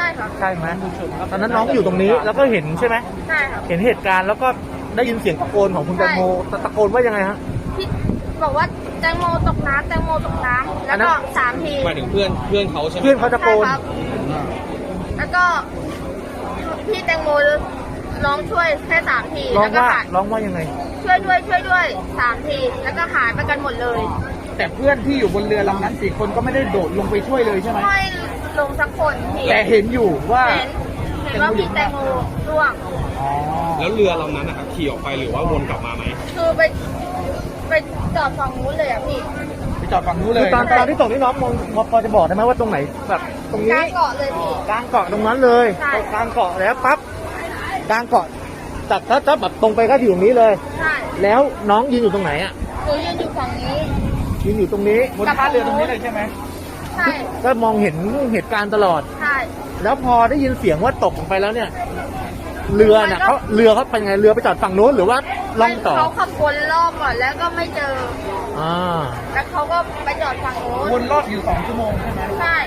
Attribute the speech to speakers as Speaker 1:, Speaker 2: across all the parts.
Speaker 1: ช่ครับ
Speaker 2: ใช่ไหมตอนนั้นน้องอยู่ตรงนี้แล้วก็เห็นใช่ไหม
Speaker 1: ใช่ครับ
Speaker 2: เห็นเหตุการณ์แล้วก็ได้ยินเสียงตะโกนของคุณแตงโมตะโกนว่ายังไงฮะ
Speaker 1: พี่บอกว่าแตงโมตกน้ำแตงโมตกน้ำแล้วก็3 ที
Speaker 3: หมายถึงเพื่อนเขาใช่ไหม
Speaker 2: เพื่อนเขาตะโก
Speaker 1: ใช่
Speaker 2: น
Speaker 1: ครับแล้วก็พี่แตงโมร้องช่วยแค่3 ที
Speaker 2: ร้อ
Speaker 1: แล้
Speaker 2: ง
Speaker 1: วก็
Speaker 2: ว่า
Speaker 1: หาย
Speaker 2: ร้องว่ายังไง
Speaker 1: ช่วยด้วย3 ทีแล้วก็หายไปกันหมดเลย
Speaker 4: แต่เพื่อนที่อยู่บนเรือลำนั้น4 คนก็ไม่ได้โดดลงไปช่วยเลยใช่ไหม
Speaker 1: ไม่ลงสักคนพี่
Speaker 4: แต่เห็นอยู่ว่า
Speaker 1: เห็นว่าพี่แตงโมร่วง
Speaker 4: อ๋อ
Speaker 3: แล้วเรือลำนั้นนะครับขี่ออกไปหรือว่าวนกลับมาไหม
Speaker 1: คือไปจอดฝั่งนู้นเลยอะพี่
Speaker 4: ไปจอดฝั่งนู้นเล
Speaker 2: คือย ตอนที่ตกนี่น้องมองพอจะบอกได้ไหมว่าตรงไหนแบบตรง
Speaker 1: ก
Speaker 2: นี้
Speaker 1: ลางเกาะเลยพี่
Speaker 2: กลางเกาะตรงนั้นเลย
Speaker 1: ใช่
Speaker 2: กลางเกาะแล้วปั๊บกลางเกาะจากถ้าแบบตรงไปก็อยู่ตรงนี้เลย
Speaker 1: ใช่
Speaker 2: แล้วน้องยืนอยู่ตรงไหนอ่ะ
Speaker 1: หนูยืนอยู่ฝั่งนี้
Speaker 2: ยืนอยู่ตรงนี้
Speaker 4: บนท่าเรือตรงนี้เลยใช่ไหม
Speaker 1: ใช่
Speaker 2: ก็มองเห็นเหตุการณ์ตลอด
Speaker 1: ใช่
Speaker 2: แล้วพอได้ยินเสียงว่าตกลงไปแล้วเนี่ย เรือน่ะเรือเขาไปไงเรือไปจอดฝั่งโน้นหรือว่าล่องต่อ
Speaker 1: เขาขับวนรอบก่อนแล้วก็ไม่เจอ
Speaker 2: อ่า
Speaker 1: แล้วเขาก็ไปจอดฝั่งโน้น
Speaker 4: วนรอบอยู่2 ชั่วโมงใช่ไหม
Speaker 1: ใช่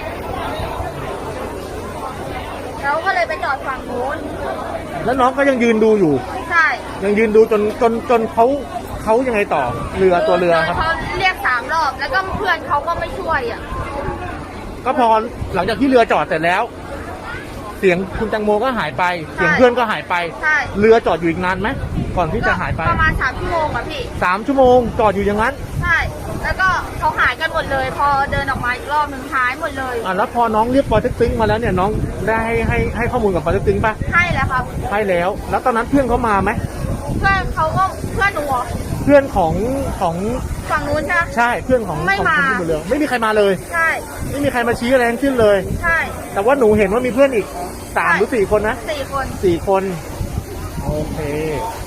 Speaker 1: แล้วก็เลยไปจอดฝั่งโน้น
Speaker 2: แล้วน้องก็ยังยืนดูอยู่
Speaker 1: ใช่
Speaker 2: ยังยืนดูจนเขายังไงต่อเรือตัวเรือครับ
Speaker 1: เขาเรียก3 รอบ แล้วก็เพื่อนเขาก็ไม่ช่วยอ่ะ
Speaker 2: ก็พอหลังจากที่เรือจอดเสร็จแล้ว เสียงคุณแตงโมก็หายไป เสียงเพื่อนก็หายไป
Speaker 1: ใช่
Speaker 2: เรือจอดอยู่อีกนานไหมก่อนที่จะหายไป
Speaker 1: ประมาณ3 ชั่วโมงอ่ะพี่
Speaker 2: 3 ชั่วโมงจอดอยู่อย่างนั้น
Speaker 1: ใช่ แล้วก็เขาหายกันหมดเลย พอเดินออกมาอีกรอบหนึ่งหายหมดเลย
Speaker 2: แล้วพอน้องเรียกปอเต็กตึงมาแล้วเนี่ยน้องได้ให้ข้อมูลกับปอเต็กตึงป่ะ
Speaker 1: ให้แล้วครับ
Speaker 2: ให้แล้ว แล้วตอนนั้นเพื่อนเขามาไหม
Speaker 1: เพื่อนเขาก็เพื่อนหนูเหรอ
Speaker 2: เพื่อนของ
Speaker 1: ฝั่งนู้นใช่ไหม
Speaker 2: ใช่เพื่อนของ
Speaker 1: ไม่
Speaker 2: ของ
Speaker 1: มา
Speaker 2: คนที่บนเรือไม่มีใครมาเลย
Speaker 1: ใช่
Speaker 2: ไม่มีใครมาชี้อะไรทั้งสิ้นเลย
Speaker 1: ใช่
Speaker 2: แต่ว่าหนูเห็นว่ามีเพื่อนอีก3 หรือ 4 คนนะ
Speaker 1: 4 คน
Speaker 2: 4 คนโอเค